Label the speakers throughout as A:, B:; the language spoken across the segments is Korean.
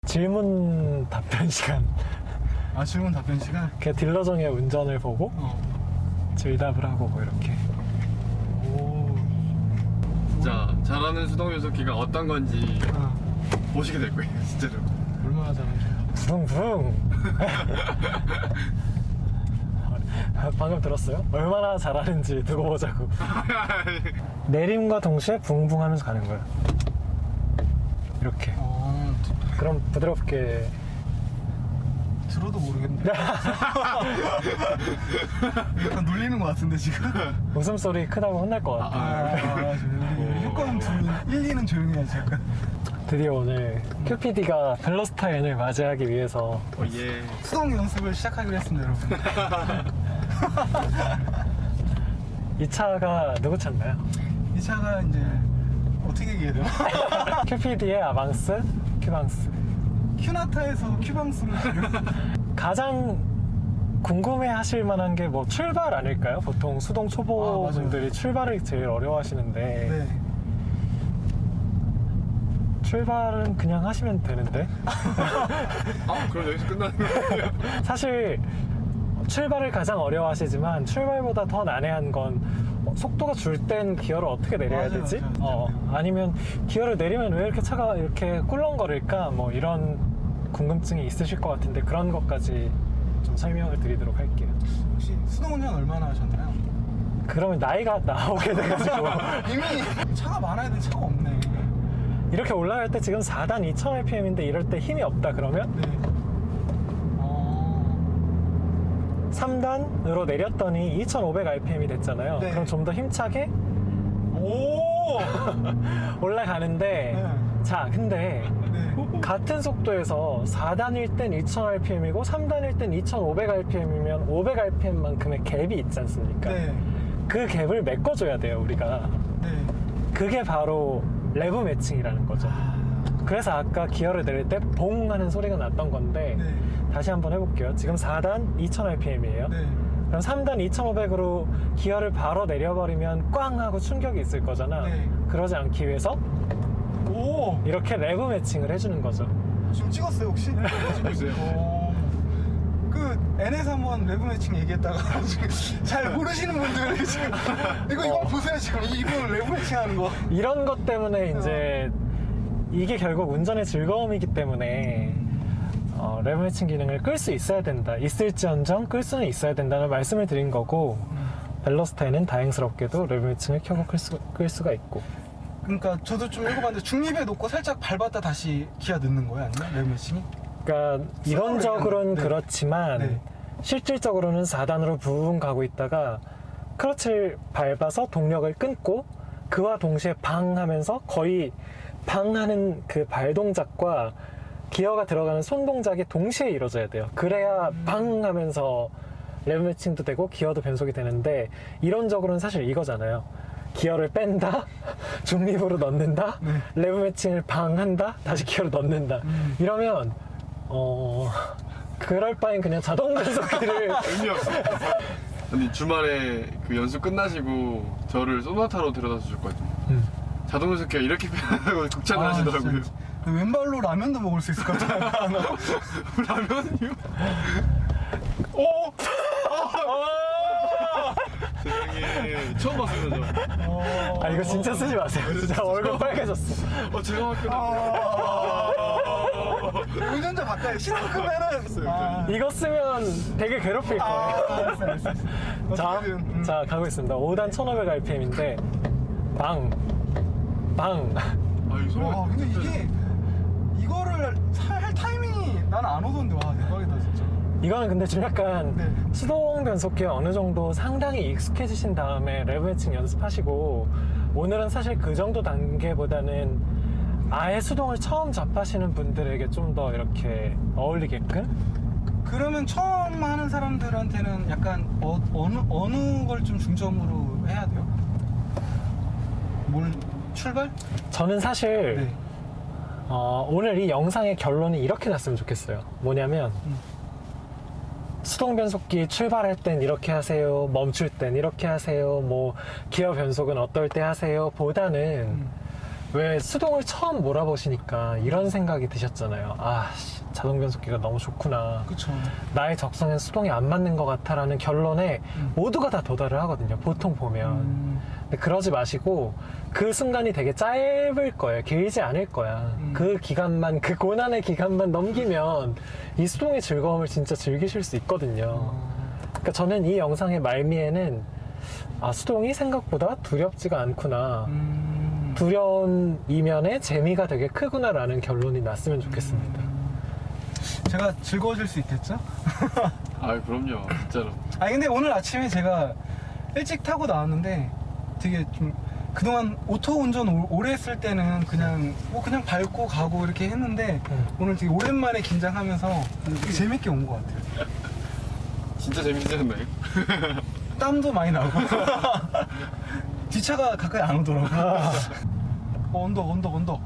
A: 질문 답변 시간.
B: 아, 질문 답변 시간?
A: 그냥 딜러정의 운전을 보고 질답을 하고 뭐 이렇게.
B: 오.
C: 진짜 잘하는 수동 변속기가 어떤 건지 보시게 될 거예요, 진짜로.
B: 얼마나 잘하는지.
A: 붕붕. 방금 들었어요? 얼마나 잘하는지 두고 보자고. 내림과 동시에 붕붕 하면서 가는 거예요. 이렇게. 그럼 부드럽게.
B: 들어도 모르겠네. 약간 놀리는 것 같은데, 지금?
A: 웃음소리 크다고 혼날 것 같아.
B: 효과음 들으면 1, 2는 조용히 해야지, 약간.
A: 드디어 오늘 큐피디가 벨로스타인을 맞이하기 위해서
C: 예.
B: 수동 연습을 시작하기로 했습니다, 여러분.
A: 이 차가 누구 차인가요?
B: 이 차가 이제 어떻게 얘기해야 되나?
A: 큐피디의 아방스, 큐방스.
B: 큐나타에서 큐방스로 지금.
A: 가장 궁금해 하실 만한 게 뭐 출발 아닐까요? 보통 수동 초보분들이 출발을 제일 어려워 하시는데
B: 네.
A: 출발은 그냥 하시면 되는데
C: 아, 그럼 여기서 끝나는 거예요?
A: 사실 출발을 가장 어려워 하시지만 출발보다 더 난해한 건 속도가 줄 땐 기어를 어떻게 내려야
B: 맞아요,
A: 되지?
B: 맞아요.
A: 아니면 기어를 내리면 왜 이렇게 차가 이렇게 꿀렁거릴까? 뭐 이런 궁금증이 있으실 것 같은데 그런 것까지 좀 설명을 드리도록 할게요.
B: 혹시 수동 운전 얼마나 하셨나요?
A: 그러면 나이가 나오게 돼가지고
B: 이미 차가 많아야 돼, 차가 없네.
A: 이렇게 올라갈 때 지금 4단 2000rpm인데 이럴 때 힘이 없다 그러면
B: 네.
A: 3단으로 내렸더니 2500rpm이 됐잖아요.
B: 네.
A: 그럼 좀 더 힘차게
B: 오!
A: 올라가는데
B: 네.
A: 자 근데
B: 네.
A: 같은 속도에서 4단일 땐 2000rpm이고 3단일 땐 2500rpm이면 500rpm만큼의 갭이 있지 않습니까?
B: 네.
A: 그 갭을 메꿔줘야 돼요 우리가.
B: 네.
A: 그게 바로 레브 매칭이라는 거죠. 그래서 아까 기어를 내릴 때 봉 하는 소리가 났던 건데
B: 네.
A: 다시 한번 해볼게요. 지금 4단 2000rpm이에요.
B: 네.
A: 그럼 3단 2500으로 기어를 바로 내려버리면 꽝 하고 충격이 있을 거잖아.
B: 네.
A: 그러지 않기 위해서
B: 오!
A: 이렇게 레브 매칭을 해주는 거죠.
B: 지금 찍었어요, 혹시?
C: 보세요.
B: 그 N에서 한번 레브 매칭 얘기했다가 지금 잘 모르시는 분들이 지금 이거 보세요, 지금 이분 레브 매칭 하는 거.
A: 이런 것 때문에 이제 이게 결국 운전의 즐거움이기 때문에 레브 매칭 기능을 끌 수 있어야 된다. 있을지언정 끌 수는 있어야 된다는 말씀을 드린 거고 벨로스타인은 다행스럽게도 레브 매칭을 켜고 끌 수가 있고.
B: 그러니까 저도 좀 읽어봤는데 중립에 놓고 살짝 밟았다 다시 기아 넣는 거예요, 아니면 레브 매칭이?
A: 그러니까 이론적으로는
B: 네.
A: 그렇지만
B: 네.
A: 실질적으로는 4단으로 부웅 가고 있다가 클러치를 밟아서 동력을 끊고 그와 동시에 방 하면서 거의 방 하는 그 발 동작과 기어가 들어가는 손 동작이 동시에 이루어져야 돼요. 그래야 방 하면서 레브 매칭도 되고 기어도 변속이 되는데 이론적으로는 사실 이거잖아요. 기어를 뺀다, 중립으로 넣는다, 레브 매칭을 방 한다, 다시 기어를 넣는다. 이러면 그럴 바엔 그냥 자동 변속기를
C: 의미 없어. 아니, 주말에 그 연습 끝나시고 저를 소나타로 데려다 주셨거든요. 자동 변속기가 이렇게 편하다고 극찬을 하시더라고요.
B: 진짜. 왼발로 라면도 먹을 수 있을 것 같아요.
C: 라면이요? 오! 세상에. 처음 봤어요, 저.
A: 아 이거 진짜 쓰지 마세요. 진짜 얼굴 빨개졌어.
C: 제가 맞구나.
B: 운전자 바꿔요. 신호 끄면은.
A: 이거 쓰면 되게 괴롭힐 거예요.
B: 알았어.
A: 자 가고 있습니다. 5단 1500rpm인데 방.
C: 아, 이 소리가.
B: 와, 근데 이게 이거를 할 타이밍이 난 안 오던데. 와, 대박이다, 진짜.
A: 이거는 근데 좀 약간
B: 네.
A: 수동 변속기에 어느 정도 상당히 익숙해지신 다음에 레브 매칭 연습하시고 오늘은 사실 그 정도 단계보다는 아예 수동을 처음 접하시는 분들에게 좀 더 이렇게 어울리게끔.
B: 그러면 처음 하는 사람들한테는 약간 어느 걸 좀 중점으로 해야 돼요? 출발?
A: 저는 사실
B: 네.
A: 오늘 이 영상의 결론이 이렇게 났으면 좋겠어요. 뭐냐면 수동 변속기 출발할 땐 이렇게 하세요, 멈출 땐 이렇게 하세요, 뭐 기어 변속은 어떨 때 하세요 보다는 왜 수동을 처음 몰아보시니까 이런 생각이 드셨잖아요. 아, 씨, 자동 변속기가 너무 좋구나.
B: 그쵸.
A: 나의 적성엔 수동이 안 맞는 것 같아라는 결론에 모두가 다 도달을 하거든요. 보통 보면. 근데 그러지 마시고 그 순간이 되게 짧을 거예요. 길지 않을 거야. 그 기간만, 그 고난의 기간만 넘기면 이 수동의 즐거움을 진짜 즐기실 수 있거든요. 그러니까 저는 이 영상의 말미에는 아, 수동이 생각보다 두렵지가 않구나. 두려운 이면에 재미가 되게 크구나라는 결론이 났으면 좋겠습니다.
B: 제가 즐거워질 수 있겠죠?
C: 아 그럼요 진짜로.
B: 아니 근데 오늘 아침에 제가 일찍 타고 나왔는데 되게 좀 그동안 오토 운전 오래 했을 때는 그냥 그냥 밟고 가고 이렇게 했는데 오늘 되게 오랜만에 긴장하면서 되게 재밌게 온 것 같아요.
C: 진짜 재밌지 않나요?
B: 땀도 많이 나고 뒷차가 가까이 안 오더라고. 언덕.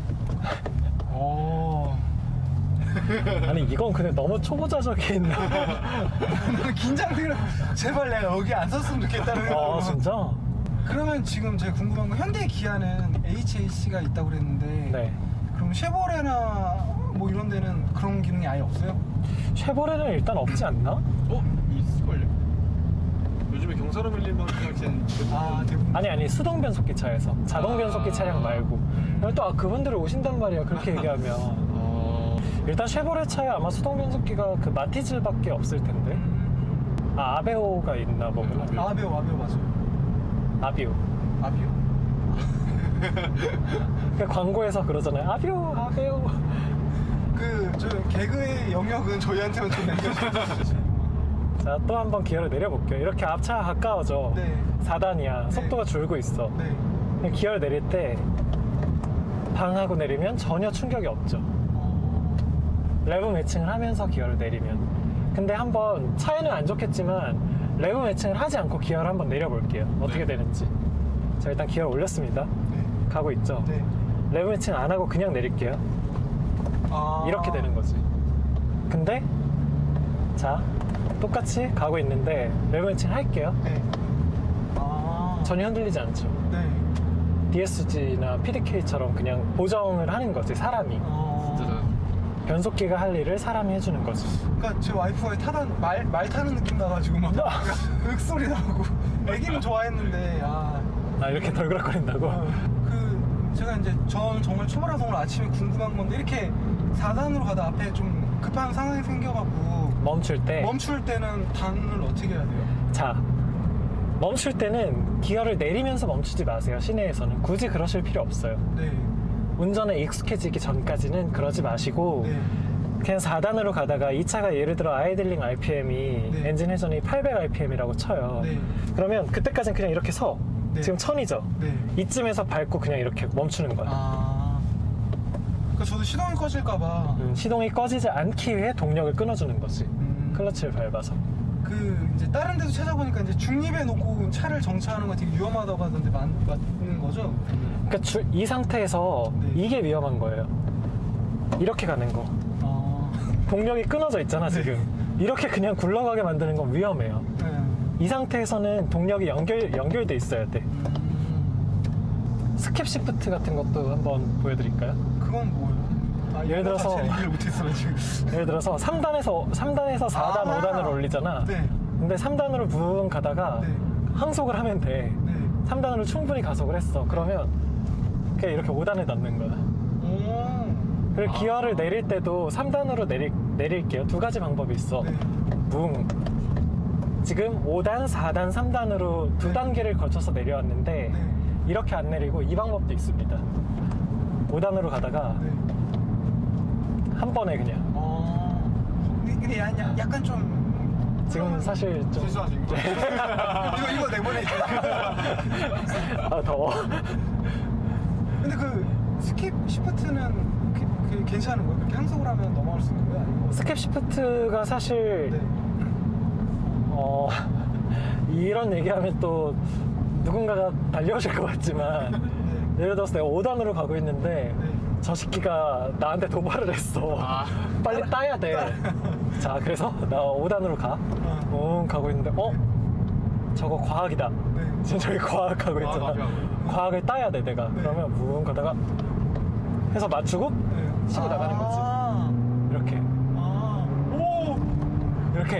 B: 오.
A: 아니 이건 근데 너무 초보자적인.
B: 긴장되는. 제발 내가 여기 안 섰으면 좋겠다는
A: 아
B: 생각으로.
A: 진짜?
B: 그러면 지금 제가 궁금한 건 현대 기아는 HAC가 있다고 그랬는데
A: 네.
B: 그럼 쉐보레나 뭐 이런 데는 그런 기능이 아예 없어요?
A: 쉐보레는 일단 없지 않나?
C: 있을걸요? 요즘에 경사로 밀린 방식은
B: 대부분.
A: 아니 수동 변속기 차에서 자동 변속기 차량 말고. 그리고 또 그분들이 오신단 말이야. 그렇게 얘기하면. 일단 쉐보레 차에 아마 수동 변속기가 그 마티즈밖에 없을 텐데. 아 아베오가 있나 보구나.
B: 아비오 맞아요.
A: 아비오.
B: 아비오?
A: 그 광고에서 그러잖아요. 아베오.
B: 저 개그의 영역은 저희한테만 좀 남겨주세요.
A: 자, 또 한번 기어를 내려볼게요. 이렇게 앞차가 가까워져.
B: 네.
A: 4단이야.
B: 네.
A: 속도가 줄고 있어.
B: 네.
A: 기어를 내릴 때 방하고 내리면 전혀 충격이 없죠. 레브 매칭을 하면서 기어를 내리면. 근데 한번 차에는 안 좋겠지만 레브 매칭을 하지 않고 기어를 한번 내려볼게요. 어떻게 되는지. 자, 일단 기어를 올렸습니다.
B: 네.
A: 가고 있죠.
B: 네.
A: 레브 매칭 안 하고 그냥 내릴게요. 이렇게 되는 거지. 근데 자, 똑같이 가고 있는데 레브 매칭 할게요.
B: 네.
A: 전혀 흔들리지 않죠.
B: 네.
A: DSG나 PDK처럼 그냥 보정을 하는 거지, 사람이.
C: 진짜
A: 변속기가 할 일을 사람이 해주는 거지.
B: 그러니까 제 와이프가 말 타는 느낌 나가지고 막 윽소리 나고 애기는 좋아했는데
A: 이렇게 덜그락거린다고?
B: 제가 이제 전 정말 초보라서 오늘 아침에 궁금한 건데 이렇게 4단으로 가다 앞에 좀 급한 상황이 생겨갖고
A: 멈출 때.
B: 멈출 때는 단을 어떻게 해야 돼요?
A: 자, 멈출 때는 기어를 내리면서 멈추지 마세요, 시내에서는. 굳이 그러실 필요 없어요.
B: 네.
A: 운전에 익숙해지기 전까지는 그러지 마시고,
B: 네.
A: 그냥 4단으로 가다가 이 차가 예를 들어 아이들링 RPM이
B: 네.
A: 엔진 회전이 800rpm이라고 쳐요.
B: 네.
A: 그러면 그때까지는 그냥 이렇게 서.
B: 네.
A: 지금 1000이죠?
B: 네.
A: 이쯤에서 밟고 그냥 이렇게 멈추는 거야.
B: 그러니까 저도 시동이 꺼질까봐
A: 시동이 꺼지지 않기 위해 동력을 끊어주는 거지. 클러치를 밟아서.
B: 이제 다른 데도 찾아보니까 이제 중립에 놓고 차를 정차하는 거 되게 위험하다고 하던데 맞는 거죠?
A: 그러니까 이 상태에서
B: 네.
A: 이게 위험한 거예요. 이렇게 가는 거. 동력이 끊어져 있잖아, 지금. 이렇게 그냥 굴러가게 만드는 건 위험해요.
B: 네.
A: 이 상태에서는 동력이 연결돼 있어야 돼. 스킵 시프트 같은 것도 한번 보여드릴까요?
B: 그건 뭐예요?
A: 예를 들어서-
B: 얘기를 못했어 지금.
A: 예를 들어서 3단에서 4단, 5단을 올리잖아.
B: 네.
A: 근데 3단으로 붕 가다가
B: 네.
A: 항속을 하면 돼.
B: 네.
A: 3단으로 충분히 가속을 했어. 그러면 그냥 이렇게 5단에 넣는 거야. 그리고 기어를 내릴 때도 3단으로 내릴게요. 두 가지 방법이 있어.
B: 네.
A: 붕. 지금 5단, 4단, 3단으로 두
B: 네.
A: 단계를 거쳐서 내려왔는데
B: 네.
A: 이렇게 안 내리고 이 방법도 있습니다. 5단으로 가다가
B: 네.
A: 한 번에 그냥.
B: 근데 약간 좀
A: 지금 사실 좀
C: 실수하신 거.
B: 이거 내보내지.
A: 더워.
B: 근데 스킵 시프트는 괜찮은 거예요? 그렇게 항속을 하면 넘어갈 수 있는 거예요? 아니면
A: 스캡 시프트가 사실
B: 네.
A: 이런 얘기하면 또 누군가가 달려오실 것 같지만
B: 네.
A: 예를 들어서 내가 5단으로 가고 있는데
B: 네.
A: 저 새끼가 나한테 도발을 했어. 빨리 따야 돼. 자, 그래서 나 5단으로 가. 가고 있는데 저거 과학이다.
B: 네.
A: 지금 저기 과학하고 있잖아.
C: 맞아.
A: 과학을 따야 돼 내가.
B: 네.
A: 그러면 뭉 가다가 해서 맞추고
B: 네.
A: 치고 나가는 거지.
B: 아.
A: 이렇게
B: 아. 오.
A: 이렇게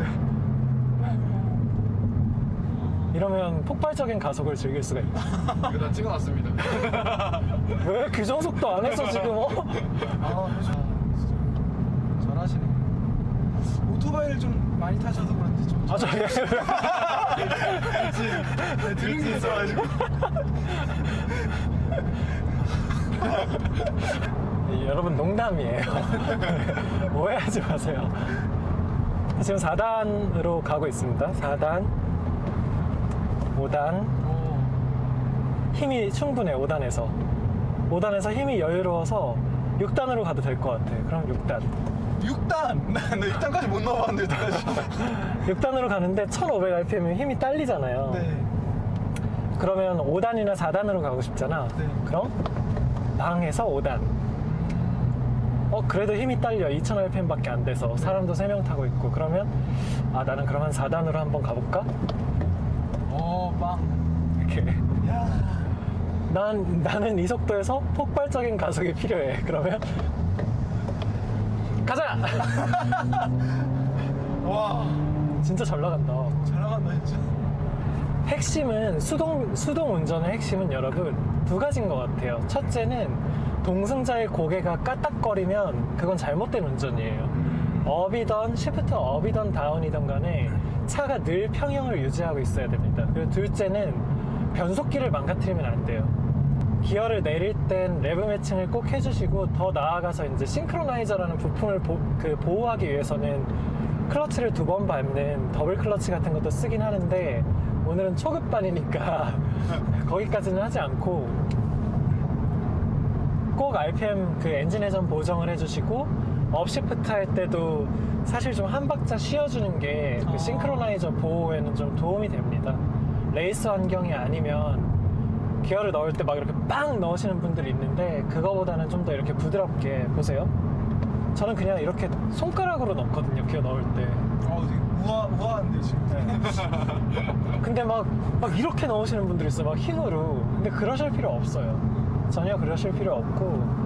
A: 이러면 폭발적인 가속을 즐길 수가 있다.
C: 이거 다 찍어놨습니다.
A: 왜 규정속도 안 했어 지금?
B: 아, 그렇죠. 진짜 잘하시네. 오토바이를 좀 많이 타셔서 그런지 좀.
A: 아, 저
B: 네, 들은 게 있어가지고.
A: 여러분 농담이에요. 오해하지 마세요. 지금 4단으로 가고 있습니다. 4단, 5단. 힘이 충분해. 5단에서 힘이 여유로워서 6단으로 가도 될 것 같아. 그럼 6단.
B: 6단! 나 6단까지 못 넣어봤는데, 여기까지.
A: 6단으로 가는데 1500rpm이면 힘이 딸리잖아요.
B: 네.
A: 그러면 5단이나 4단으로 가고 싶잖아.
B: 네.
A: 그럼 방에서 5단. 그래도 힘이 딸려. 2000rpm밖에 안 돼서 사람도 3명 타고 있고. 그러면 나는 그럼 한 4단으로 한번 가볼까?
B: 빵.
A: 이렇게.
B: 야.
A: 나는 이 속도에서 폭발적인 가속이 필요해. 그러면 가자.
B: 와.
A: 진짜 잘 나간다.
B: 잘 나간다, 진짜.
A: 핵심은 수동 운전의 핵심은 여러분 두 가지인 것 같아요. 첫째는 동승자의 고개가 까딱거리면 그건 잘못된 운전이에요. 업이던 시프트 업이던 다운이던 간에 차가 늘 평형을 유지하고 있어야 됩니다. 그리고 둘째는 변속기를 망가뜨리면 안 돼요. 기어를 내릴 땐 레브 매칭을 꼭 해주시고, 더 나아가서 이제 싱크로나이저라는 부품을 보호하기 위해서는 클러치를 2번 밟는 더블 클러치 같은 것도 쓰긴 하는데, 오늘은 초급반이니까 거기까지는 하지 않고 꼭 RPM 엔진 회전 보정을 해주시고, 업시프트 할 때도 사실 좀 한 박자 쉬어주는 게 그 싱크로나이저 보호에는 좀 도움이 됩니다. 레이스 환경이 아니면 기어를 넣을 때 막 이렇게 빵 넣으시는 분들이 있는데, 그거보다는 좀 더 이렇게 부드럽게 보세요. 저는 그냥 이렇게 손가락으로 넣거든요, 기어 넣을 때.
B: 되게 우아한데, 지금.
A: 근데 막 이렇게 넣으시는 분들이 있어요. 막 힘으로. 근데 그러실 필요 없어요. 전혀 그러실 필요 없고.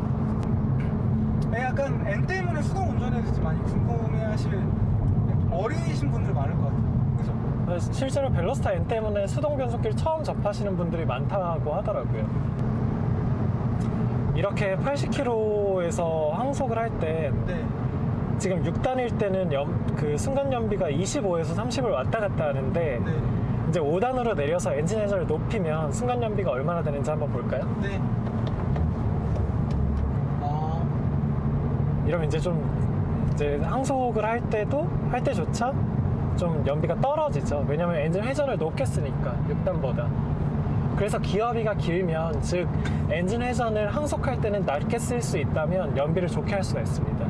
B: 약간 N 때문에 수동 운전에 대해서 많이 궁금해하실 어린이신 분들 많을 것 같아요. 그죠?
A: 실제로 벨로스타 N 때문에 수동 변속기를 처음 접하시는 분들이 많다고 하더라고요. 이렇게 80km에서 항속을 할 때
B: 네.
A: 지금 6단일 때는 그 순간 연비가 25에서 30을 왔다 갔다 하는데,
B: 네.
A: 이제 5단으로 내려서 엔진 회전을 높이면 순간 연비가 얼마나 되는지 한번 볼까요?
B: 네.
A: 이러면 이제 항속을 할 때조차 좀 연비가 떨어지죠. 왜냐면 엔진 회전을 높게 쓰니까 6단보다. 그래서 기어비가 길면, 즉 엔진 회전을 항속할 때는 낮게 쓸 수 있다면 연비를 좋게 할 수가 있습니다.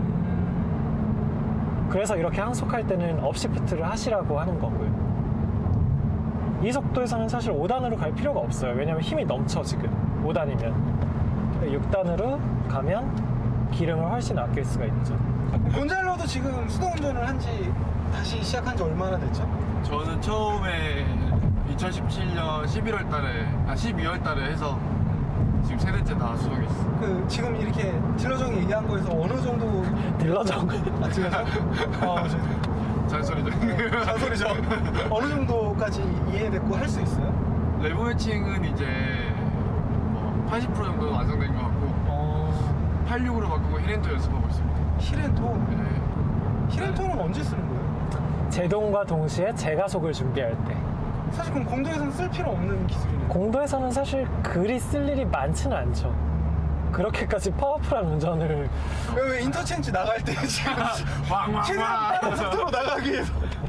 A: 그래서 이렇게 항속할 때는 업시프트를 하시라고 하는 거고요. 이 속도에서는 사실 5단으로 갈 필요가 없어요. 왜냐면 힘이 넘쳐 지금 5단이면. 6단으로 가면 기름을 훨씬 아낄 수가 있죠.
B: 곤잘로도 지금 수동 운전을 다시 시작한 지 얼마나 됐죠?
C: 저는 처음에 2017년 11월 달에, 12월 달에 해서 지금 3대째 다 수동했어.
B: 지금 이렇게 딜러정이 얘기한 거에서 어느 정도.
A: 딜러정.
B: 딜러정?
C: 잔소리죠.
B: 잔소리죠. 어느 정도까지 이해됐고 할 수 있어요?
C: 레브 매칭은 이제 80% 정도 완성된 것 같고, 86으로 바꾸고 히렌토 연습하고 있습니다.
B: 히렌토?
C: 네.
B: 히렌토는 언제 쓰는 거예요?
A: 제동과 동시에 제가속을 준비할 때.
B: 사실 그럼 공도에서는 쓸 필요 없는 기술이네요.
A: 공도에서는 사실 그리 쓸 일이 많지는 않죠. 그렇게까지 파워풀한 운전을.
B: 왜 인터체인지 나갈 때 지금 최대한 빠른 속도로 나가기 위해서.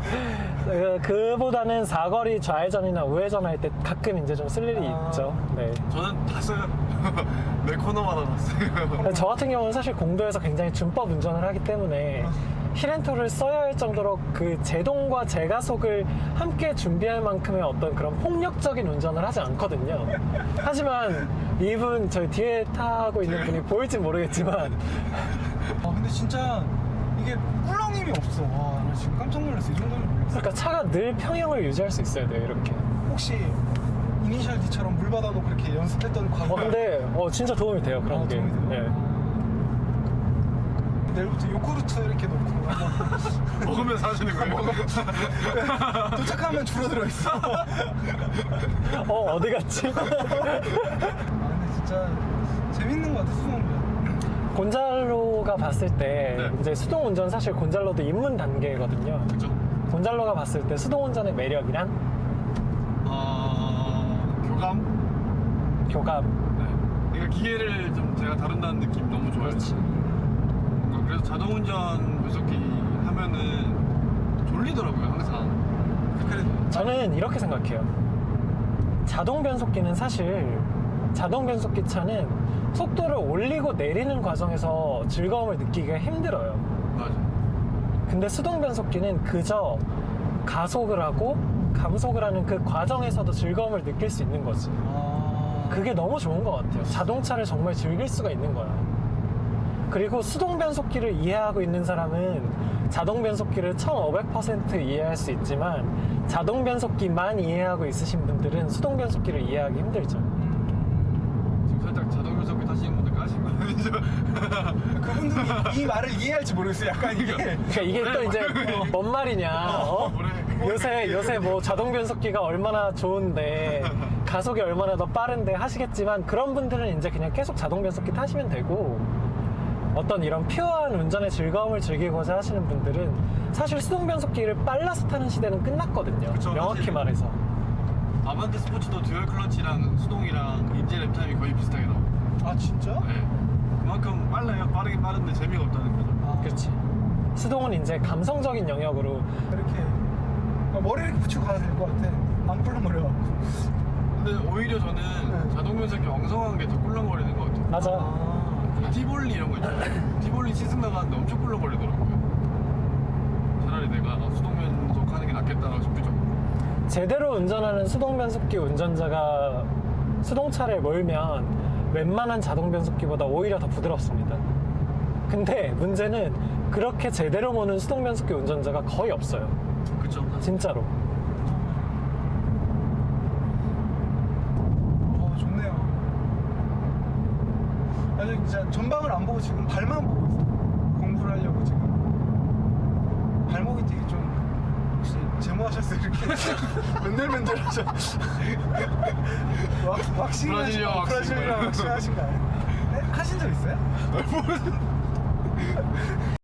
A: 그보다는 사거리 좌회전이나 우회전 할 때 가끔 이제 좀 쓸 일이 있죠. 네.
C: 저는 다 써요. 내 코너마다 다 써요.
A: 저 같은 경우는 사실 공도에서 굉장히 준법 운전을 하기 때문에 히렌토를 써야 할 정도로 그 제동과 제가속을 함께 준비할 만큼의 어떤 그런 폭력적인 운전을 하지 않거든요. 하지만 이분 저희 뒤에 타고 있는 분이 보일진 모르겠지만
B: 근데 진짜 이게 꿀렁임이 없어. 와, 나 지금 깜짝 놀랐어. 이 정도는 몰랐어.
A: 그러니까 차가 늘 평형을 유지할 수 있어야 돼요, 이렇게.
B: 혹시 이니셜 D처럼 물 받아놓고 이렇게 연습했던 과거?
A: 근데 진짜 도움이 돼요, 그런 게.
B: 도움이 돼요?
A: 예.
B: 내일부터 요구르트 이렇게 놓고
C: 먹으면서 하시는 거예요?
B: 도착하면 줄어들어 있어.
A: 어디 갔지?
B: 근데 진짜 재밌는 것 같아, 수동운전.
A: 곤잘로가 봤을 때
C: 네.
A: 이제 수동 운전 사실 곤잘로도 입문 단계거든요.
C: 그죠?
A: 곤잘로가 봤을 때 수동 운전의 매력이란
C: 교감?
A: 교감.
C: 네. 그러니까 기계를 좀 제가 다룬다는 느낌 너무 좋아요.
A: 그렇지.
C: 뭔가 그래서 자동운전 변속기 하면은 졸리더라고요, 항상.
B: 그래.
A: 저는 이렇게 생각해요. 자동 변속기는 사실 자동 변속기 차는 속도를 올리고 내리는 과정에서 즐거움을 느끼기가 힘들어요.
C: 맞아.
A: 근데 수동 변속기는 그저 가속을 하고 감속을 하는 그 과정에서도 즐거움을 느낄 수 있는 거지. 그게 너무 좋은 것 같아요. 자동차를 정말 즐길 수가 있는 거야. 그리고 수동 변속기를 이해하고 있는 사람은 자동 변속기를 1500% 이해할 수 있지만 자동 변속기만 이해하고 있으신 분들은 수동 변속기를 이해하기 힘들죠.
C: 지금 살짝 자동 변속기 타시는 분들 까신 거 아니죠?
B: 그분들이 이 말을 이해할지 모르겠어요. 약간 이게.
A: 그러니까 이게 또 이제 뭔 말이냐? 요새 뭐 자동 변속기가 얼마나 좋은데 가속이 얼마나 더 빠른데 하시겠지만 그런 분들은 이제 그냥 계속 자동 변속기 타시면 되고 어떤 이런 퓨어한 운전의 즐거움을 즐기고자 하시는 분들은 사실 수동 변속기를 빨라서 타는 시대는 끝났거든요.
C: 그쵸,
A: 명확히
C: 사실.
A: 말해서.
C: 아반떼 스포츠도 듀얼 클러치랑 수동이랑 인제 랩타임이 거의 비슷하게 나와요.
B: 아, 진짜?
C: 네. 그만큼 빨라요. 빠르긴 빠른데 재미가 없다는 거죠.
B: 아,
A: 그렇지. 수동은 이제 감성적인 영역으로
B: 이렇게 머리를 이렇게 붙이고 가야 될 것 같아. 안 꿀렁거려갖고.
C: 근데 오히려 저는
B: 네.
C: 자동 변속기 엉성한 게 더 꿀렁거리는 것 같아요.
A: 맞아.
C: 그 티볼리 이런 거 있잖아요. 티볼리 시승 나가는데 엄청 꿀렁거리더라고요. 차라리 내가 수동 변속하는 게 낫겠다라고 싶을 정도로.
A: 제대로 운전하는 수동 변속기 운전자가 수동차를 몰면 웬만한 자동 변속기보다 오히려 더 부드럽습니다. 근데 문제는 그렇게 제대로 모는 수동 변속기 운전자가 거의 없어요.
C: 그쵸?
A: 진짜로.
B: 좋네요. 아니, 진짜 전방을 안 보고 지금 발만 보고 있어. 공부를 하려고 지금. 발목이 되게 좀, 혹시 제모하셨어요? 이렇게. 맨들맨들 하셔. 왁싱
C: 브라질리언 왁싱.
B: 브라질리언 왁싱 하신 거 아니에요? 네? 하신 적 있어요?